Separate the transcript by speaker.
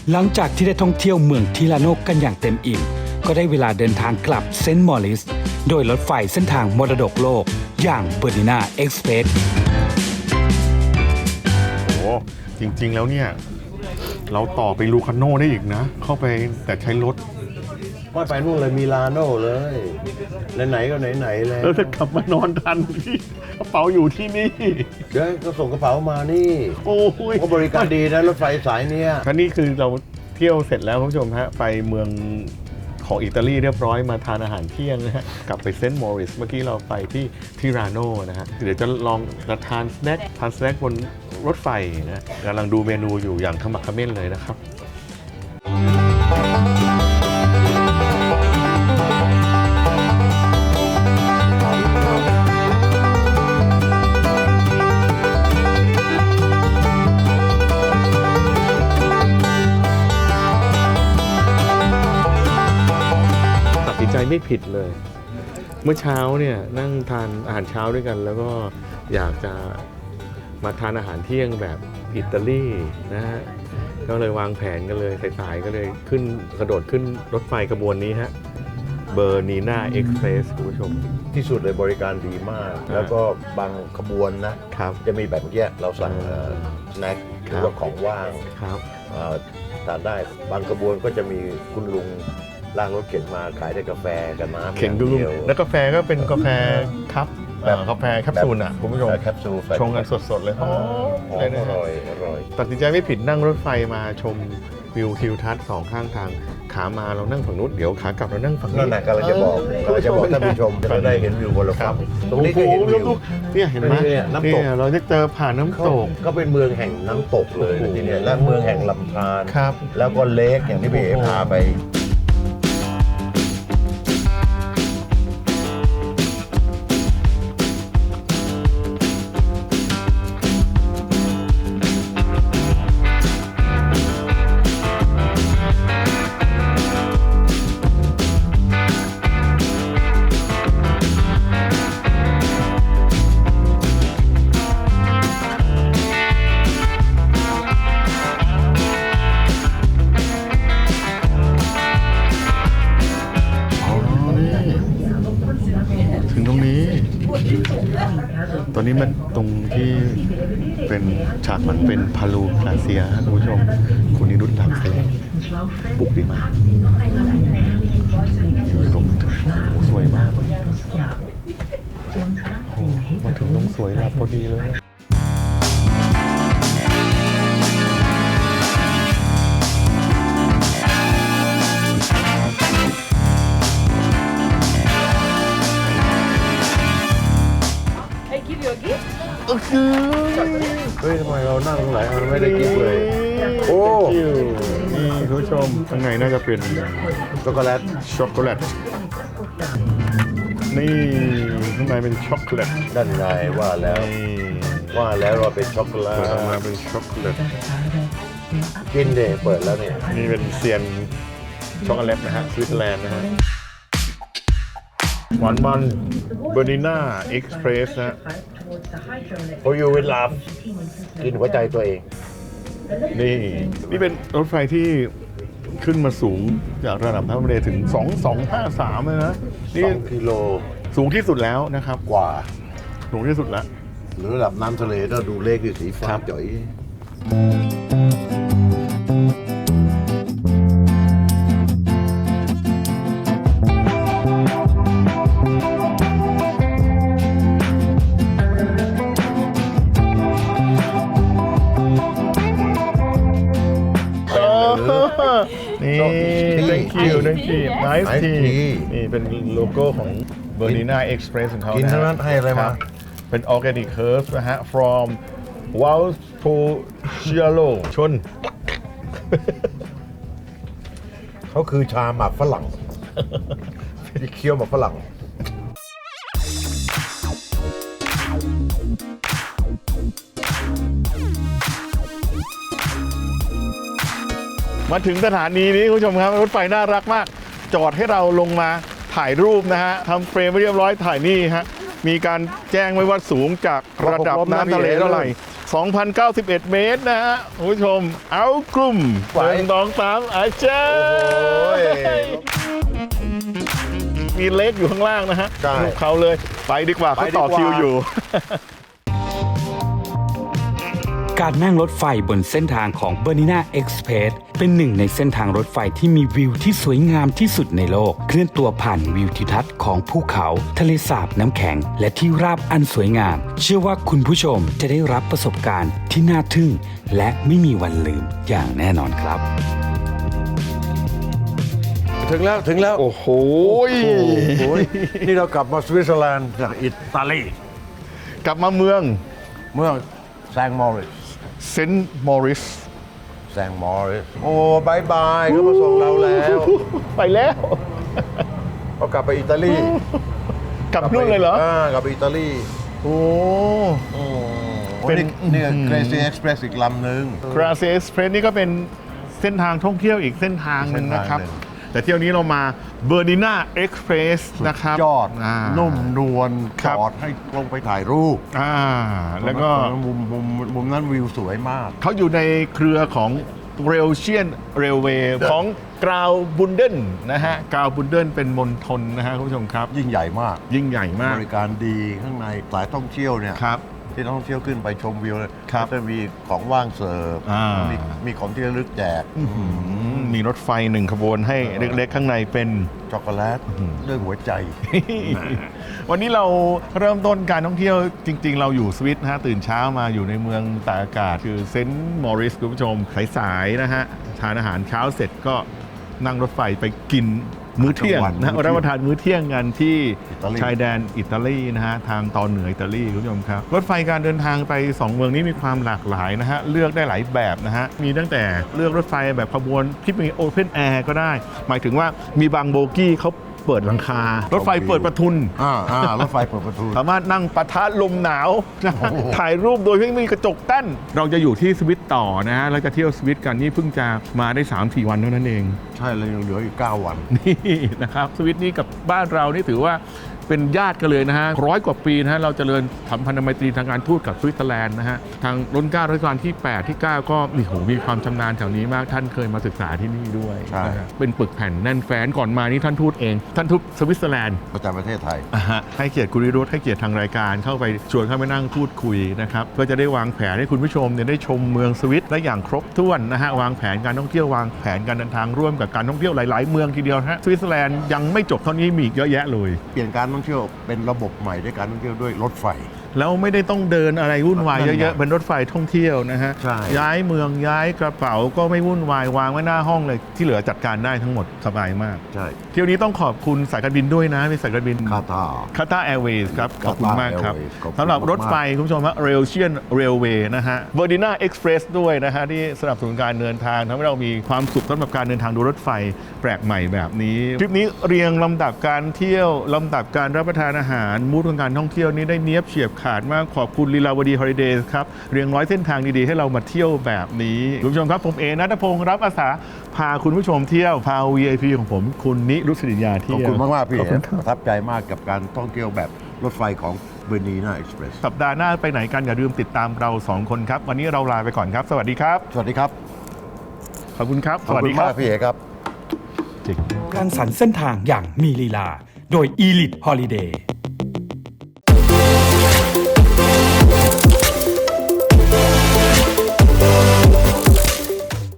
Speaker 1: หลังจากที่ได้ท่องเที่ยวเมืองทิราโนกันอย่างเต็มอิ่มก็ได้เวลาเดินทางกลับเซนต์มอริสโดยรถไฟเส้นทางมรดกโลกอย่างเบอร์นินาเอ็กซ์เพรส
Speaker 2: โอ้จริงๆแล้วเนี่ยเราต่อไปลูคาโน่ได้อีกนะเข้าไปแต่ใช้รถ
Speaker 3: ว่าไปนู่นเลยมีลาโน่เลยไหนๆก็ไหนๆแล้ว
Speaker 2: จะกลับมานอนทันที่กระเป๋าอยู่ที่นี่
Speaker 3: เดี๋ยวก็ส่งกระเป๋ามานี่
Speaker 2: โอ้ย
Speaker 3: เขาบริการดีนะรถไฟสายเนี้ย
Speaker 2: ท่านี่คือเราเที่ยวเสร็จแล้วคุณผู้ชมฮะไปเมืองของอิตาลีเรียบร้อยมาทานอาหารเที่ยงนะฮะกลับไปเซนต์มอริสเมื่อกี้เราไปที่ทิราโนนะฮะเดี๋ยวจะลองทานสแน็คบนรถไฟนะกำลังดูเมนูอยู่อย่างขมักเขม้นเลยนะครับไม่ผิดเลยเมื่อเช้าเนี่ยนั่งทานอาหารเช้าด้วยกันแล้วก็อยากจะมาทานอาหารเที่ยงแบบอิตาลีนะฮะก็เลยวางแผนกันเลยสายๆก็เลยกระโดดขึ้นรถไฟขบวนนี้ฮะเบอร์นีนาเอ็กซ์เพรสคุณผู้ชม
Speaker 3: ที่สุดเลยบริการดีมากแล้วก็บางขบวนนะครับจะมีแบบเมื่อกี้เราสั่งสแน็คหรือว่าของว่าง
Speaker 2: ครับ
Speaker 3: ทานได้บางขบวนก็จะมีคุณลุงลากรถเข็นมาขายได้กาแฟกับน้ำ
Speaker 2: เข็นดูแล้วกาแฟก็เป็นกาแฟครับแบบกาแฟแคปซูลอ่ะคุณผู้ชม
Speaker 3: แคปซูล
Speaker 2: ชงกันสดๆเลย
Speaker 3: อร่อย
Speaker 2: ตัดสินใจไม่ผิดนั่งรถไฟมาชมวิวทิวทัศน์สองข้างทางขามาเรานั่งฝั่งนู้นเดี๋ยวขากลับเรานั่งฝั่งนี้
Speaker 3: นั่นแหละกำลังจะบอกท่านผู้ชมจะได้เห็นวิวบนรถไฟตรงนี้ก็เห็นวิว
Speaker 2: เนี่ยเห็นไหม
Speaker 3: น้ำตก
Speaker 2: เราจะเจอผ่านน้ำตก
Speaker 3: ก็เป็นเมืองแห่งน้ำตกเลยที่นี่และเมืองแห่งลำธารแล้วก็เลคอย่างที่พี่เอ๋พาไป
Speaker 2: ตอนนี้มันตรงที่เป็นฉากหลังเป็นพาลูพลาเซียคุณผู้ชมคุณนิรุตหลักเซบุกดีมากอยู่ตรงสวยมากมาถึงตรงสวยหลับพอดีเลย
Speaker 3: เฮ้ยทำไมเรานั่งตรงไหนเราไม่ได้กินเลยโอ้
Speaker 2: นี่คุณผู้ชมข้างในน่าจะเป็น
Speaker 3: ช็อกโกแลต
Speaker 2: นี่ข้างในเป็นช็อกโกแลต
Speaker 3: ด้านในว่าแล้วเราเป็นช็อกโกแลต
Speaker 2: มาเป็นช็อกโกแลต
Speaker 3: กินเดย์เปิดแล้วเนี่ย
Speaker 2: นี่เป็นเซียนช็อกโกแลตนะฮะสวิตเซอร์แลนด์นะฮะหวานมันเบอร์นิน่าเอ็กซ์เพรสนะ
Speaker 3: เขาอยู่เวลากินหัวใจตัวเอง
Speaker 2: นี่เป็นรถไฟที่ขึ้นมาสูงจากระดับน้ำทะเลถึง2253เลยนะ
Speaker 3: นี่กิโล
Speaker 2: สูงที่สุดแล้วนะครับ
Speaker 3: กว่า
Speaker 2: สูงที่สุดแล้ว
Speaker 3: หรือระดับน้ำทะเลถ้าดูเลขคือสีฟ้าจ่อย
Speaker 2: นี่ thank you nice tea นี่เป็นโลโก้ของ Bernina Express ของเขา
Speaker 3: กินทั้งนั้นให้อะไรมา
Speaker 2: เป็น organic herbs นะฮะ from Valpolicella ชน
Speaker 3: เขาคือชาหมักฝรั่งที่เคี้ยวหมักฝรั่ง
Speaker 2: มาถึงสถานีนี้คุณผู้ชมครับรถไฟน่ารักมากจอดให้เราลงมาถ่ายรูปนะฮะทำเฟรมไว้เรียบร้อยถ่ายนี่ฮะมีการแจ้งไว้ว่าสูงจากระดับน้ำทะเลเท่าไหร่ 2,091 เมตรนะฮะคุณผู้ชมเอากลุ่ม
Speaker 3: ไหว
Speaker 2: 1 2 3อาจารย์
Speaker 3: โอ้ย
Speaker 2: มีเล็กอยู่ข้างล่างนะฮะ
Speaker 3: ใช่
Speaker 2: ลูกเขาเลยไปดีกว่าเขาต่อคิวอยู่
Speaker 1: การนั่งรถไฟบนเส้นทางของ Bernina Express เป็นหนึ่งในเส้นทางรถไฟที่มีวิวที่สวยงามที่สุดในโลก เคลื่อนตัวผ่านวิวทิวทัศน์ของภูเขา ทะเลสาบน้ำแข็ง และที่ราบอันสวยงาม เชื่อว่าคุณผู้ชมจะได้รับประสบการณ์ที่น่าทึ่ง และไม่มีวันลืมอย่างแน่นอนครับ
Speaker 3: ถึงแล้ว
Speaker 2: โอ้โห
Speaker 3: โอ้ยนี่เรากลับมาสวิตเซอร์แลนด์จากอิตาลี
Speaker 2: กลับมาเมือง
Speaker 3: เมืองแซงต์มอริส
Speaker 2: เซนต์มอริส
Speaker 3: แซงต์มอริสโอ้บายบายเขามาส่งเราแล้ว
Speaker 2: ไปแล้ว
Speaker 3: เขากลับไปอิตาลี
Speaker 2: กลับนู่นเลยเหรอ
Speaker 3: กลับไปอิตาลี
Speaker 2: โอ้
Speaker 3: เป็นนี่เกรซี่เอ็กซ์เพรสอีกลำหนึ่ง
Speaker 2: คราเซสเพรสนี่ก็เป็นเส้นทางท่องเที่ยวอีกเส้นทางหนึ่งนะครับ
Speaker 3: เส้นทางหนึ่ง
Speaker 2: แต่เที่ยวนี้เรามาเบอร์ดิน่าเอ็กซ์เพรสนะครับ
Speaker 3: ยอด นุ่มนวล
Speaker 2: ค
Speaker 3: จ
Speaker 2: รับ
Speaker 3: อดให้ลงไปถ่ายรูป
Speaker 2: แล้วก็
Speaker 3: มุมนั้นวิวสวยมาก
Speaker 2: เขาอยู่ในเครือของเรลเชียนเรลเวย์ของกราวบุนเดนนะฮะกราวบุนเดนเป็นมณฑลนะฮะคุณผู้ชมครับ
Speaker 3: ยิ่งใหญ่มาก
Speaker 2: ยิ่งใหญ่มาก
Speaker 3: บริการดีข้างในสายท่องเที่ยวเนี่ย
Speaker 2: ครับ
Speaker 3: ที่นักท่องเที่ยวขึ้นไปชมวิวเลย
Speaker 2: ครับ
Speaker 3: ก็จะมีของว่างเสิร์ฟ มีของที่ระลึกแจก
Speaker 2: มีรถไฟหนึ่งขบวนให้เล็กๆ ข้างในเป็น
Speaker 3: ช็อกโกแลตด้วยหัวใจ
Speaker 2: วันนี้เราเริ่มต้นการท่องเที่ยวจริงๆ เราอยู่สวิตนะฮะตื่นเช้ามาอยู่ในเมืองตากอากาศคือเซนต์มอริสคุณผู้ชมสายๆนะฮะทานอาหารเช้าเสร็จก็นั่งรถไฟไปกินมื้อเที่ยงนะรับประทานมื้อเที่ยงกันที่
Speaker 3: อิตาลี
Speaker 2: ชายแดนอิตาลีนะฮะทางตอนเหนืออิตาลีคุณผู้ชมครับรถไฟการเดินทางไป 2 เมืองนี้มีความหลากหลายนะฮะเลือกได้หลายแบบนะฮะมีตั้งแต่เลือกรถไฟแบบขบวนที่มีโอเพนแอร์ก็ได้ หมายถึงว่ามีบางโบกี้เขาเปิดหลังคารถไฟเปิดประทุน
Speaker 3: รถไฟเปิดประตู
Speaker 2: สามารถนั่งปะทะลมหนาวนะฮะ
Speaker 3: โอ้โห
Speaker 2: ถ่ายรูปโดยไม่มีกระจกกั้นเราจะอยู่ที่สวิตต่อนะฮะเราจะเที่ยวสวิตกันนี่เพิ่งจะมาได้ 3-4 วันเท่านั้นเอง
Speaker 3: ใช่เลยยังเหลืออีก9 วัน
Speaker 2: นี่นะครับสวิตนี้กับบ้านเรานี่ถือว่าเป็นญาติกันเลยนะฮะ100 กว่าปีนะฮะเราเจริญสัมพันธไมตรีทางการทูตกับสวิตเซอร์แลนด์นะฮะทางรัชกาลที่ 8 ที่ 9 ก็มีความชำนาญแถวนี้มากท่านเคยมาศึกษาที่นี่ด้วย
Speaker 3: ใช่
Speaker 2: นะฮะเป็นปึกแผ่นแน่นแฟ้นก่อนมานี่ท่านทูตเองท่านทูตสวิตเซอร์แลนด์
Speaker 3: ประจำประเทศไทย
Speaker 2: ให้เกียรติคุณวิรุธให้เกียรติทางรายการเข้าไปชวนเข้าไปนั่งพูดคุยนะครับก็จะได้วางแผนให้คุณผู้ชมเนี่ยได้ชมเมืองสวิตได้อย่างครบถ้วนนะฮะวางแผนการท่องเที่ยววางแผนการเดินทางร่วมกับการท่องเที่ยวหลาย ๆ เมืองทีเดียวฮะสวิตเซอร์แลนด์ยังไม่จบเท่านี้มีอีกเยอะแยะเลย
Speaker 3: เปลี่ยนการท่องเที่ยวเป็นระบบใหม่ด้วยการท่องเที่ยวด้วยรถไฟ
Speaker 2: แล้วไม่ได้ต้องเดินอะไรวุ่นวาย
Speaker 3: นั่นไง
Speaker 2: เยอะๆเป็นรถไฟท่องเที่ยวนะฮะ
Speaker 3: ใช่
Speaker 2: ย้ายเมืองย้ายกระเป๋าก็ไม่วุ่นวายวางไว้หน้าห้องเลยที่เหลือจัดการได้ทั้งหมดสบายมาก
Speaker 3: ใช่
Speaker 2: เที่ยวนี้ต้องขอบคุณสายการบินด้วยนะเป็นสายการบิน
Speaker 3: คาตา
Speaker 2: คาตาแอร์เวย์ครับ ขอบคุณมากครับ
Speaker 3: Airways ขอบคุณ
Speaker 2: สำหรับรถไฟ
Speaker 3: มาก
Speaker 2: คุณผู้ชมฮะเรลเชียนเรลเวย์นะฮะเวอร์ดิน่าเอ็กซ์เพรสด้วยนะฮะที่สนับสนุนการเดินทางทำให้เรามีความสุขสำหรับการเดินทางดูรถไฟแปลกใหม่แบบนี้คลิปนี้เรียงลำดับการเที่ยวลำดับการรับประทานอาหารมูดของการท่องเที่ยวนี้ได้เนียบเฉียบขาดมากขอบคุณลีลาวดีฮอลิเดย์ครับเรียงร้อยเส้นทางดีๆให้เรามาเที่ยวแบบนี้คุณผู้ชมครับผมเอณัฐพงศ์รับอาสาพาคุณผู้ชมเที่ยวพา VIP ของผมคุณนิรุตศิริยา
Speaker 3: ข
Speaker 2: เที่
Speaker 3: อบ
Speaker 2: ยว
Speaker 3: คุณมากๆพี่
Speaker 2: ขอบคุณครับ
Speaker 3: ประทับใจมากกับการท่องเที่ยวแบบรถไฟของเบอร์นีนาเอ็กซ์เพรส
Speaker 2: สัปดาห์หน้าไปไหนกันอย่าลืมติดตามเรา 2 คนครับ วันนี้เราลาไปก่อนครับ สวัสดีครับ
Speaker 3: สวัสดีครับ
Speaker 2: ขอบคุณครับ
Speaker 3: ขอบคุณมากพี่เอครับ
Speaker 1: การสรรเส้นทางอย่างมีลีลา โดย Elite Holiday